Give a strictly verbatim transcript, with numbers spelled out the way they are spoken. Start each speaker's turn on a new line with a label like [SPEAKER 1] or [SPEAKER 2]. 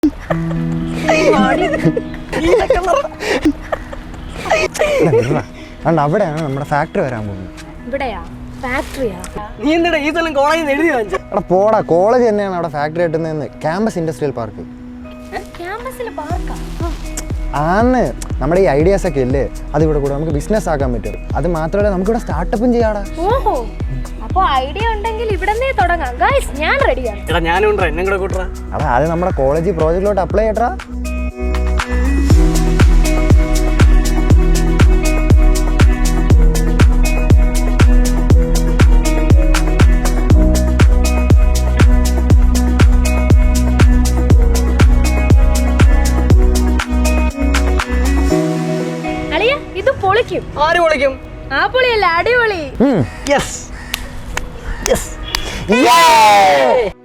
[SPEAKER 1] അവിടെയാണ് നമ്മുടെ ഫാക്ടറി വരാൻ പോകുന്നത്.
[SPEAKER 2] നീ എന്താ ഈ സ്ഥലം കോളേജിൽ നിന്ന് എഴുതി വാങ്ങിച്ച?
[SPEAKER 1] എടാ പോടാ, കോളേജ് തന്നെയാണ് അവിടെ ഫാക്ടറി കിട്ടുന്നതെന്ന്. ക്യാമ്പസ് ഇൻഡസ്ട്രിയൽ പാർക്ക് ആന്ന്. നമ്മുടെ ഈ ഐഡിയാസ് ഒക്കെ ഇല്ലേ, അത് ഇവിടെ കൂടെ നമുക്ക് ബിസിനസ് ആക്കാൻ പറ്റും. അത് മാത്രമല്ല നമുക്കിവിടെ സ്റ്റാർട്ടപ്പും ചെയ്യാടാ.
[SPEAKER 3] ഓഹോ, അപ്പോൾ ഐഡിയ ഉണ്ടെങ്കിൽ ഇവിടെന്നേ തുടങ്ങാം ഗൈസ്. ഞാൻ റെഡിയാണ്.
[SPEAKER 2] എടാ ഞാനും ഉണ്ടോ, എന്നെ കൂടെ കൂട്ടറാ.
[SPEAKER 1] അതാ അത് നമ്മുടെ കോളേജ് പ്രോജക്റ്റിലോട്ട് അപ്ലൈ ചെയ്യട്ടാ.
[SPEAKER 2] ആര് പൊളിക്കും?
[SPEAKER 3] ആ പൊളിയല്ല, അടിപൊളി.
[SPEAKER 2] Yes yes